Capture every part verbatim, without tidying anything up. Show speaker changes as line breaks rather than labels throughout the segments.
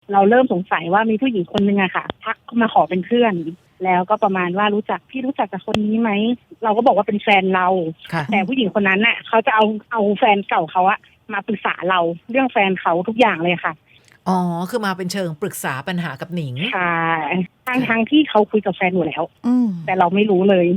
เราเริ่มสงสัยว่ามีผู้หญิงคนนึงอะค่ะทักมาขอเป็นเพื่อนแล้วก็ประมาณว่ารู้จักพี่รู้จักกับคนนี้ไหมเราก็บอกว่าเป็นแฟนเราแต่ผู้หญิงคนนั้นน่ะเขาจะเอาเอาแฟนเก่าเขาอะมาปรึกษาเราเรื่องแฟนเขาทุกอย่างเลยค่ะ
อ๋อคือมาเป็นเชิงปรึกษาปัญหากับหนิง
ค่ะทางทางที่เขาคุยกับแฟนอยู่แล้วแต่เราไม่รู้เลย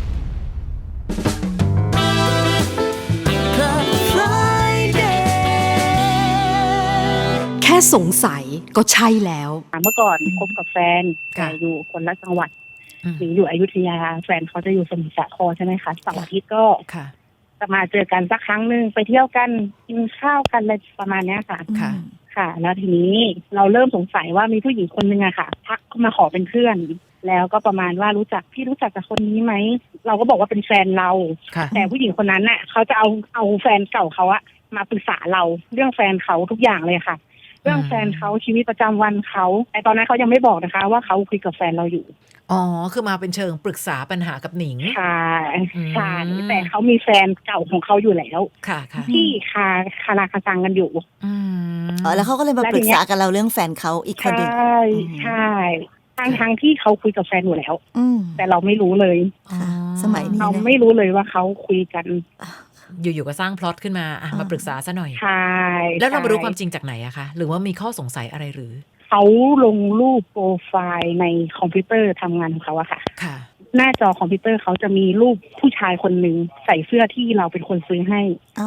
แค่สงสัยก็ใช่แล้ว
เมื่อก่อนคบกับแฟนแต่อยู่คนละจังหวัดหนิงอยู่อยุธยาแฟนเขาจะอยู่สมุทรสาครใช่ไหมคะเสาร์อาทิตย์ก็จะมาเจอกันสักครั้งหนึ่งไปเที่ยวกันกินข้าวกันอะไรประมาณนี้ค่ะค่ะแล้วทีนี้เราเริ่มสงสัยว่ามีผู้หญิงคนนึงอะค่ะทักมาขอเป็นเพื่อนแล้วก็ประมาณว่ารู้จักพี่รู้จักกับคนนี้ไหมเราก็บอกว่าเป็นแฟนเราแต่ผู้หญิงคนนั้นน่ะเขาจะเอาเอาแฟนเก่าเขาอะมาปรึกษาเราเรื่องแฟนเขาทุกอย่างเลยค่ะเรื่องแฟนเขาชีวิตประจำวันเขาแต่ตอนนั้นเขายังไม่บอกนะคะว่าเขาคุยกับแฟนเราอยู่
อ๋อคือมาเป็นเชิงปรึกษาปัญหากับหนิง
ค่ะใช่แต่เขามีแฟนเก่าของเขาอยู่แล้ว
ค่ะค่ะ
ที่คาคาราคาซังกันอยู่
อืมอ๋อแล้วเขาก็เลยมาปรึกษากับเราเรื่องแฟนเขาอีกคนหนึ่ง
ใช่ใช่ทางทางที่เขาคุยกับแฟนอยู่แล้วแต่เราไม่รู้เลย
สมัยนี้
เราไม่รู้เลยว่าเขาคุยกัน
อยู่ๆก็สร้างพล็อตขึ้นมาอ่ะมาปรึกษาซะหน่อย
ใช่
แล้วเรามารู้ความจริงจากไหนอะคะหรือว่ามีข้อสงสัยอะไรหรือ
เขาลงรูปโปรไฟล์ในคอมพิวเตอร์ทำงานของเขาอะค่ะ
ค่ะ
หน้าจอคอมพิวเตอร์เขาจะมีรูปผู้ชายคนหนึ่งใส่เสื้อที่เราเป็นคนซื้อให้
อ๋อ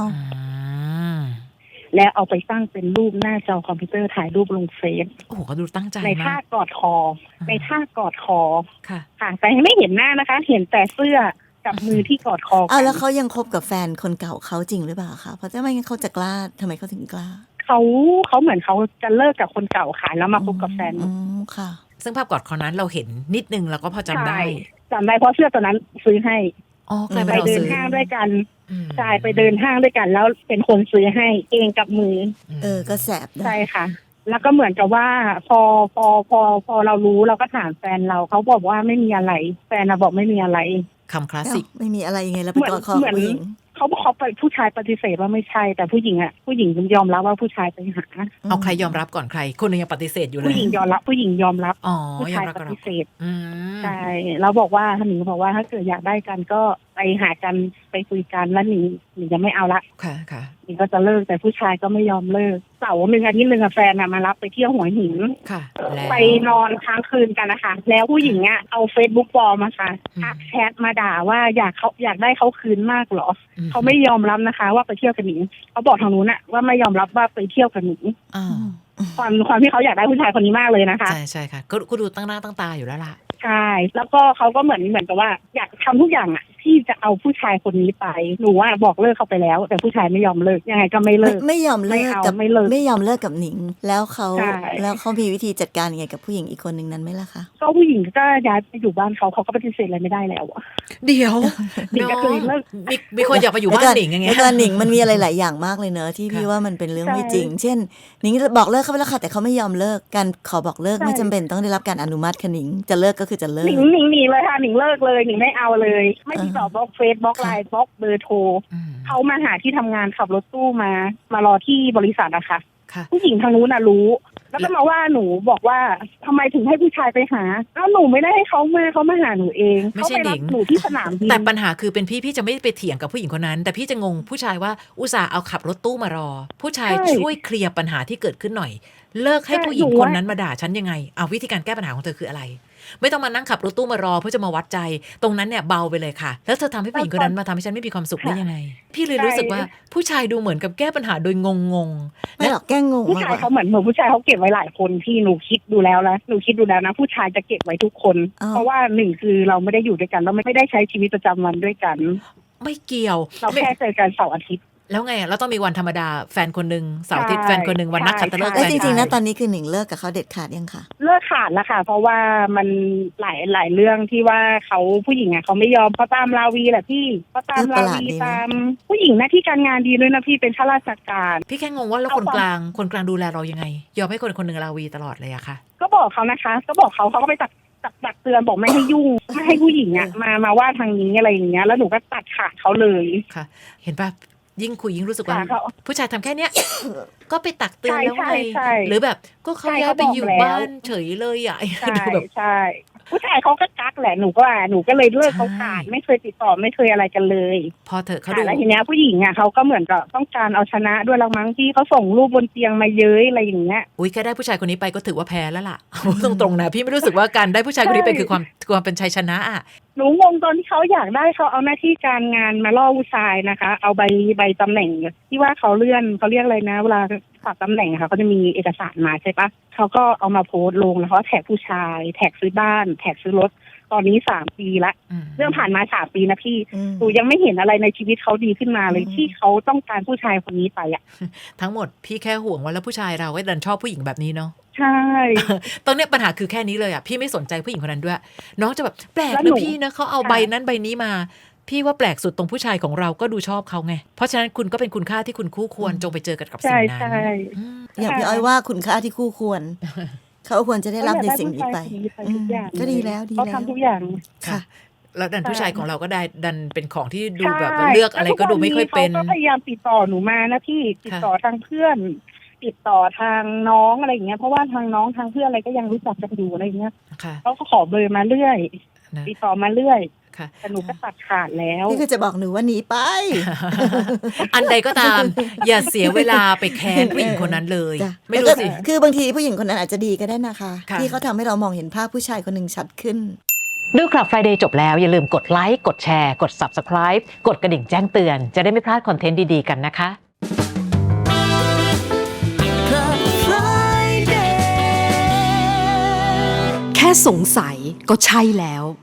แล้วเอาไปตั้งเป็นรูปหน้าจอคอมพิวเตอร์ถ่ายรูปลงเฟซ
โอ้โหก็ดูตั้งใจ
ในท่ากอดคอในท่ากอดคอ
ค่ะ
ค่ะแต่ไม่เห็นหน้านะคะเห็นแต่เสื้อกับมือที่กอดคอ
อ้าวแล้วเขายังคบกับแฟนคนเก่าเขาจริงหรือเปล่าคะเพราะถ้าไม่งั้นเขาจะกล้าทำไมเขาถึงกล้า
เขาเขาเหมือนเขาจะเลิกกับคนเก่าค่ะแล้วมาคบกับแฟน
อืมค่ะ
ซึ่งภาพกอดคอนั้นเราเห็นนิดนึงเราก็พอจำได้
จำได้เพราะเสื้อตัวนั้นซื้อให้
อ๋อ
ไปเดินห้างด้วยกันใช่ไปเดินห้างด้วยกันแล้วเป็นคนซื้อให้เองกับมือ
เออก็แสบ
ใช่ค่ะแล้วก็เหมือนกับว่าพอพอพอพอเรารู้เราก็ถามแฟนเราเขาบอกว่าไม่มีอะไรแฟนเราบอกไม่มีอะไร
คำคลาสสิก
ไม่มีอะไรยังไงแล้วไปกอดคอผู้หญิง
เขาบอกเขาไปผู้ชายปฏิเสธว่าไม่ใช่แต่ผู้หญิงอ่ะผู้หญิงยอมรับว่าผู้ชายไปหา
เอาใครยอมรับก่อนใครคนนึงยังปฏิเสธอยู่เลย
ผู้หญิงยอมรับผู้หญิงยอมรับผู้ชายปฏิเสธใช่เราบอกว่าท่านหนิงบอกว่าถ้าเกิดอยากได้กันก็ไปหากันไปคุยกันแล้วหนิงหนิงจะไม่เอาละ
ค่ะค่ะ
หนิงก็จะเลิกแต่ผู้ชายก็ไม่ยอมเลิกเสาร์หนึ่งอาทิตย์หนึ่งแฟนมารับไปเที่ยวหัวหิน
ค่ะ
ไปนอนค้างคืนกันนะคะแล้วผู้หญิงอ่ะเอาเฟซบุ๊กปลอมมาค่ะทักแชทมาด่าว่าอยากเขาอยากได้เขาคืนมากหรอเขาไม่ยอมรับนะคะว่าไปเที่ยวกับหนิงเขาบอกทางนู้นอะว่าไม่ยอมรับว่าไปเที่ยวกับหนิงความความที่เขาอยากได้ผู้ชายคนนี้มากเลยนะคะ
ใช่ใช่ค่ะก็ก็ดูตั้งหน้าตั้งตาอยู่แล้วล่ะ
ใช่แล้วก็เขาก็เหมือนเหมือนกับว่าอยากทำทุกอย่างอะที่จะเอาผู้ชายคนนี้ไปหนูว่าบอกเลิกเขาไปแล้วแต่ผู้ชายไม่ยอมเลิกยังไงก็ไม่เลิก
ไม่ยอมเลิกกับ
ไม่เลิก
ไม่ยอมเลิกกับหนิงแล้วเขาแล้วเขามีวิธีจัดการยังไงกับผู้หญิงอีกคนนึงนั้นไหมล่ะคะ
ก็ผู้หญิงก็ย้ายไปอยู่บ้านเขาเขาก็ปฏิเสธอะไรไม่ได้แล้วอะ
เดี๋ยว
หนิงก็เคยเลิก
มีมีคนอยากไปอยู่บ้านหนิงอย่างเงี้ย
แล้วหนิงมันมีอะไรหลายอย่างมากเลยเนอะที่พี่ว่ามันเป็นเรื่องไม่จริงเช่นหนิงบอกเลิกเขาไปแล้วค่ะแต่เขาไม่ยอมเลิกการขอบอกเลิกไม่จำเป็นต้องได้รับการอนุมัติค่ะหนิงจะเลิกก็คือจะเลิก
หนิงหนิงหนีเลยค่ะหนิงเลิกเลยหนิงไม่เอาเลยไม่ติดต่อบล็อกเฟซบล็อกไลน์บล็อกเบอร์โทรเขามาหาที่ทำงานขับรถตู้มามารอที่บริษัทอะค่ะผู้หญิงทางนู้นน่ะรู้แล้วก็มาว่าหนูบอกว่าทำไมถึงให้ผู้ชายไปหาอ้าวหนูไม่ได้ให้เขามาเขามาหาหนูเอง
เขาไปรับ
หนูที่สนามบิน
แต่ปัญหาคือเป็นพี่พี่จะไม่ไปเถียงกับผู้หญิงคนนั้นแต่พี่จะงงผู้ชายว่าอุตส่าห์เอาขับรถตู้มารอผู้ชายช่วยเคลียร์ปัญหาที่เกิดขึ้นหน่อยเลิกให้ผู้หญิงคนนั้นมาด่าฉันยังไงเอาวิธีการแก้ปัญหาของเธอคืออะไรไม่ต้องมานั่งขับรถตู้มารอเพื่อจะมาวัดใจตรงนั้นเนี่ยเบาไปเลยค่ะแล้วเธอทำให้ผู้หญิงคนนั้นมาทำให้ฉันไม่มีความสุขได้ยังไงพี่เลยรู้สึกว่าผู้ชายดูเหมือนกับแก้ปัญหาโดยงงง
ไม่หรอกแก้งง
ผู้ชายเขาเหมือนเหมือนผู้ชายเขาเก็บไว้หลายคนที่หนูคิดดูแล้วนะหนูคิดดูแล้วนะผู้ชายจะเก็บไว้ทุกคนเพราะว่าหนึ่งคือเราไม่ได้อยู่ด้วยกันเราไม่ได้ใช้ชีวิตประจำวันด้วยกัน
ไม่เกี่ยว
เราแค่เจอกันเสาร์อาทิตย์
แล้วไงเราต้องมีวันธรรมดาแฟนคนนึงเสาร์อาทิตย์แฟนคนนึงวันนัดขัตฤกษ์
แล้วจริงๆนะตอนนี้คือหนิงเลิกกับเขาเด็ดขาดยังคะ
เลิกขาดแล้วค่ะเพราะว่ามันหลายหลายเรื่องที่ว่าเขาผู้หญิงอ่ะเขาไม่ยอมเขาตามราวีแหละพี่เขาตามราวีตามผู้หญิงหน้าที่การงานดีด้วยนะพี่เป็นข้าราชการ
พี่แค่งงว่าแล้วคนกลางคนกลางดูแลเรายังไงยอมให้คนคนนึงราวีตลอดเลยอะค่ะ
ก็บอกเขานะคะก็บอกเขาเขาก็ไปตักตักเตือนบอกไม่ให้ยุ่งไม่ให้ผู้หญิงอ่ะมามาว่าทางนี้อะไรอย่างเงี้ยแล้วหนูก็ตัดขาดเขาเลย
ค่ะเห็นป่ะยิ่งคุยยิ่งรู้สึกว่า
ค่ะเขา
ผู้ชายทำแค่เนี้ย ก็ไปตักเตือน
ใช่
แล้วไง
ใช่ใช่
หรือแบบก็เขา
ใช่
ย้ายไป
เขาบอก
อยู่
แล้ว
บ้านเฉยเลยอ่ะ
ใช่
ดูแบบ
ใช่ผู้ชายเขาก็กักแหละหนูก็ว่าหนูก็เลยเลิกเขาขาด
ใช่
ไม่เคยติดต่อไม่เคยอะไรกันเลย
พอเถอะเขา
ค่ะ
ดู
แล้วทีเนี้ยผู้หญิงอ่ะเขาก็เหมือนกับต้องการเอาชนะด้วยละมั้งที่เขาส่งรูปบนเตียงมาเย้ยอะไรอย่างเงี้ย
อุ้ยแค่ได้ผู้ชายคนนี้ไปก็ถือว่าแพ้แล้วล่ะ ตรงๆนะพี่ไม่รู้สึกว่าการได้ผู้ชายคนนี้ไป
ใช่
คือความความเป็นชัยชนะอ่ะ
หนูงงตอนที่เขาอยากได้เขาเอาหน้าที่การงานมาล่อผู้ชายนะคะ เอาใบใบตำแหน่งที่ว่าเขาเลื่อนเขาเรียกอะไรนะเวลาฝากตำแหน่งอะค่ะเขาจะมีเอกสารมาใช่ปะเขาก็เอามาโพสต์ลงแล้วเขาแท็กผู้ชายแท็กซื้อบ้านแท็กซื้อรถตอนนี้สามปีละ
อืม
เรื่องผ่านมาสามปีนะพี่
อืม
หนูยังไม่เห็นอะไรในชีวิตเขาดีขึ้นมาเลย
อืม
ที่เขาต้องการผู้ชายคนนี้ไปอ่ะ
ทั้งหมดพี่แค่ห่วงว่าแล้วผู้ชายเราก็ดันชอบผู้หญิงแบบนี้เนาะ
ใช่
ตอนเนี้ยปัญหาคือแค่นี้เลยอ่ะพี่ไม่สนใจผู้หญิงคนนั้นด้วย น้องจะแบบแปลก
แล้วห
นะ
นู
พี่นะเขาเอา
ค่ะ
ใบนั้นใบนี้มา พี่ว่าแปลกสุดตรงผู้ชายของเราก็ดูชอบเขาไง เพราะฉะนั้นคุณก็เป็นคุณค่าที่คุณคู่ควรจงไปเจอกันกับสิ่
ใช่
งนั้น
ใช่
อืม
อย่างพี่อ้อยว่าคุณค่าที่คู่ควร เขาควรจะได้รับในสิ่งนี้ไป
เขาอยากได้ผู้ชายคนนี้ไปทุกอย่าง
อืมก็ดีแล้วดี
เขา
แล้ว
ทำทุกอย่าง
ค่ะ
แล้วดันผู้ชายของเราก็ได้ดันเป็นของที่ดู
ใช่
แบบว่าเลือกอะไรก็ดูไม่ค่อยเป็น
เขาก็พยายามติดต่อหนูมานะพี่ติดต่อทางเพื่อน ติดต่อทางน้องอะไรอย่างเงี้ยเพราะว่าทางน้องทางเพื่อนอะไรก็ยังรู้จักกันอยู่อะไรอย่างเงี้ย
ค่ะ
เขาก็ขอเบอร์มาเรื่อย
นะ
ติดต่อมาเรื่อย
ค่ะ
แต่หนูก็ตัดขาดแล้ว
นี่คือจะบอกหนูว่าหนีไป
อันใดก็ตาม อย่าเสียเวลาไปแค้นผู้หญิงคนนั้นเลย
จ้ะ
ไม่รู้สิ
แล้วก็คือบางทีผู้หญิงคนนั้นอาจจะดีก็ได้นะคะ
ค่ะ
ที่เขาทำให้เรามองเห็นภาพผู้ชายคนหนึ่งชัดขึ้น
ดูคลับ Friday จบแล้วอย่าลืมกดไลค์กดแชร์กด Subscribe กดกระดิ่งแจ้งเตือนจะได้ไม่พลาดคอนเทนต์ดีๆกันนะคะ
แค่สงสัยก็ใช่แล้ว